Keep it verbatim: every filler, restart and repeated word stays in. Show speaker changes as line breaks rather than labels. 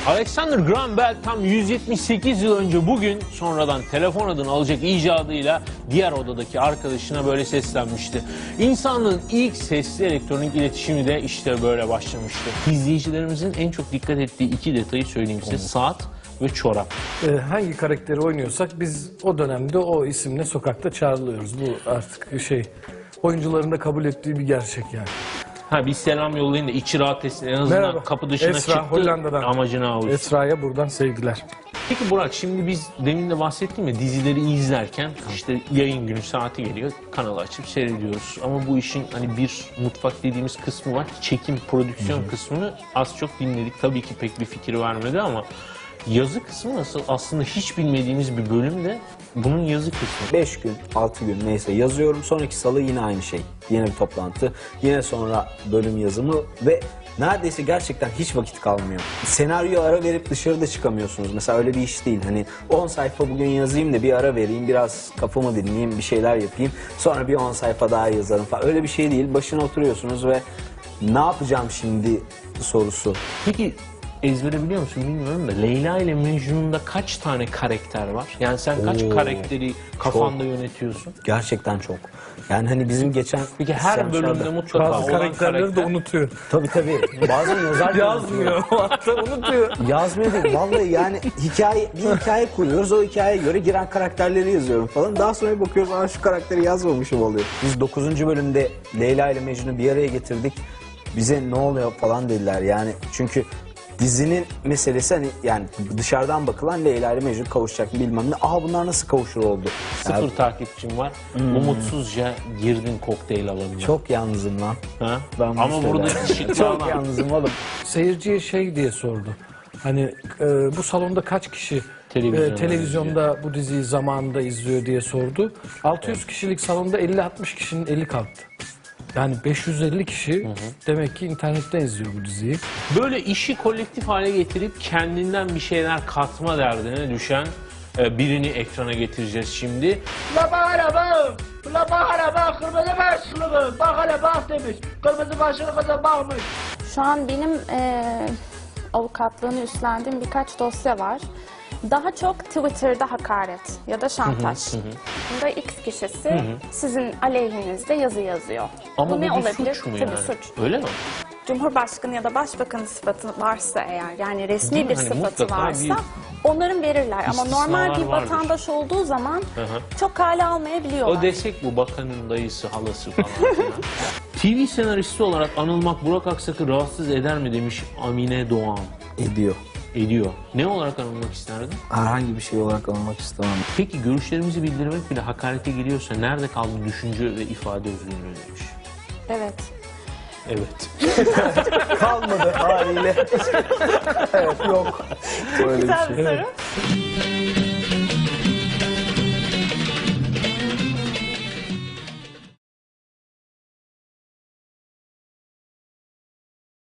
Alexander Graham Bell tam yüz yetmiş sekiz yıl önce bugün sonradan telefon adını alacak icadıyla diğer odadaki arkadaşına böyle seslenmişti. İnsanlığın ilk sesli elektronik iletişimi de işte böyle başlamıştı. İzleyicilerimizin en çok dikkat ettiği iki detayı söyleyeyim size. Saat ve çorap.
Ee, hangi karakteri oynuyorsak biz o dönemde o isimle sokakta çağrılıyoruz. Bu artık şey, oyuncuların da kabul ettiği bir gerçek yani.
Ha bir selam yollayın da içi rahat etsin. En azından
Merhaba.
kapı dışına
Esra,
çıktı,
Hollanda'dan.
amacına avuştu.
Esra'ya buradan sevgiler.
Peki Burak, şimdi biz demin de bahsettim ya, dizileri izlerken işte yayın günü saati geliyor, kanalı açıp seyrediyoruz. Ama bu işin hani bir mutfak dediğimiz kısmı var, çekim, prodüksiyon Hı-hı. kısmını az çok dinledik. Tabii ki pek bir fikir vermedi ama yazı kısmı nasıl? Aslında hiç bilmediğimiz bir bölüm de bunun yazı kısmı.
beş gün, altı gün neyse yazıyorum. Sonraki salı yine aynı şey. Yine bir toplantı. Yine sonra bölüm yazımı ve neredeyse gerçekten hiç vakit kalmıyor. Senaryo ara verip dışarıda çıkamıyorsunuz. Mesela öyle bir iş değil. Hani on sayfa bugün yazayım da bir ara vereyim, biraz kafamı dinleyeyim, bir şeyler yapayım. Sonra bir on sayfa daha yazarım falan. Öyle bir şey değil. Başına oturuyorsunuz ve ne yapacağım şimdi sorusu.
Peki ezbere biliyor musun bilmiyorum da Leyla ile Mecnun'da kaç tane karakter var? Yani sen kaç Oo, karakteri kafanda çok yönetiyorsun?
Gerçekten çok. Yani hani bizim geçen...
Peki her bölümde mutlaka
bazı karakterleri
karakter...
de unutuyor.
Tabii tabii. Bazen yazar
yazmıyor. Hatta unutuyor.
Yazmıyor değil. Vallahi yani hikaye, bir hikaye kuruyoruz. O hikayeye göre giren karakterleri yazıyorum falan. Daha sonra bakıyoruz, aa şu karakteri yazmamışım oluyor. Biz dokuzuncu bölümde Leyla ile Mecnun'u bir araya getirdik. Bize ne oluyor falan dediler. Yani çünkü dizinin meselesi hani yani dışarıdan bakılan Leyla ile Mecnun kavuşacak bilmem ne. Aha bunlar nasıl kavuşur oldu?
Sıfır yani... takipçim var. Hmm. Umutsuzca girdin kokteyl alanına.
Çok yalnızım lan.
Ha? Ben ama burada
çok yalnızım oğlum.
Seyirciye şey diye sordu. Hani e, bu salonda kaç kişi
Televizyonda,
e, televizyonda bu diziyi zamanında izliyor diye sordu. altı yüz evet. kişilik salonda elli altmış kişinin eli kalktı. Yani beş yüz elli kişi hı hı. demek ki internetten izliyor bu diziyi.
Böyle işi kolektif hale getirip kendinden bir şeyler katma derdine düşen birini ekrana getireceğiz şimdi.
La araba, la araba, kırmızı başlığı, bak hele bak demiş, kırmızı başlığı kıza bakmış.
Şu an benim e, avukatlığını üstlendiğim birkaç dosya var. Daha çok Twitter'da hakaret ya da şantaj. Hı hı hı. Bunda X kişisi hı hı. sizin aleyhinizde yazı yazıyor.
Ama bu,
bu
ne
bir
olabilir? Suç mu
Tabii
yani?
Suç.
Öyle mi?
Cumhurbaşkanı ya da başbakanın sıfatı varsa eğer, yani resmi
Değil
bir
hani
sıfatı varsa
bir...
onların verirler. Ama normal bir vatandaş vardır. Olduğu zaman hı hı. çok kale almayabiliyorlar.
O desek bu bakanın dayısı, halası falan. T V senaristi olarak anılmak Burak Aksak'ı rahatsız eder mi demiş Amine Doğan.
Ediyor.
Ediyor. Ne olarak anılmak isterdin?
Herhangi bir şey olarak anılmak istemem.
Peki görüşlerimizi bildirmek bile hakarete giriyorsa nerede kaldı düşünce ve ifade özgürlüğü demiş.
Evet.
Evet.
Kalmadı haliyle. Evet yok.
Çok güzel bir soru.